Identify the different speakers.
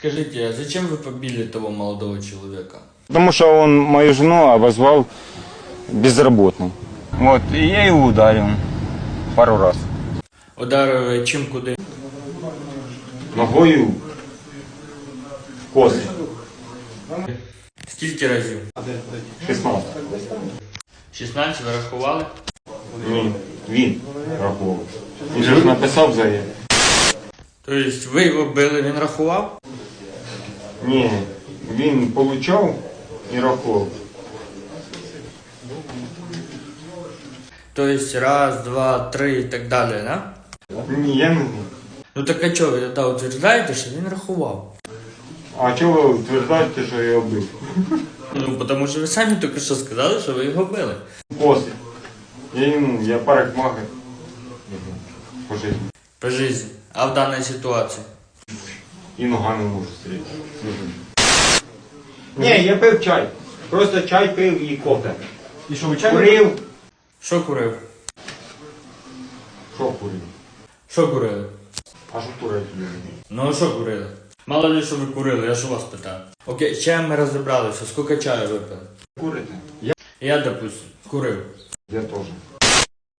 Speaker 1: Скажите, а зачем вы побили того молодого человека?
Speaker 2: Потому что он мою жену обозвал безработной. Вот, и я его ударил пару раз.
Speaker 1: Ударили чим куди?
Speaker 2: Ногою в коси.
Speaker 1: Скільки разів?
Speaker 2: 16.
Speaker 1: 16 ви рахували?
Speaker 2: Ні, він рахував. Він же ж написав заяву.
Speaker 1: Тобто ви його били, він рахував?
Speaker 2: Ні, він получав і рахував.
Speaker 1: Тобто раз, два, три і так далі, да?
Speaker 2: Ні, я не знаю.
Speaker 1: Ну так а чого ви тоді утверждаєте, що він рахував?
Speaker 2: А чого ви утверждаєте, що я його бив?
Speaker 1: Ну, тому що ви самі тільки що сказали, що ви його били.
Speaker 2: Коси. Я парикмахер. По житті.
Speaker 1: По житті. А в даній ситуації?
Speaker 2: І ногами можу стріляти.
Speaker 3: Ні, я пив чай. Просто чай пив і кофе.
Speaker 4: І що, ви чай?
Speaker 3: Курив.
Speaker 1: Що курив?
Speaker 2: Що курив?
Speaker 1: Що курили?
Speaker 2: А що курити?
Speaker 1: Ну а що курили? Мало ли, що ви курили, я ж у вас питаю. Окей, з чаєм ми розібралися, скільки чаю випили?
Speaker 2: Курите?
Speaker 1: Я, допустим, курив.
Speaker 2: Я теж.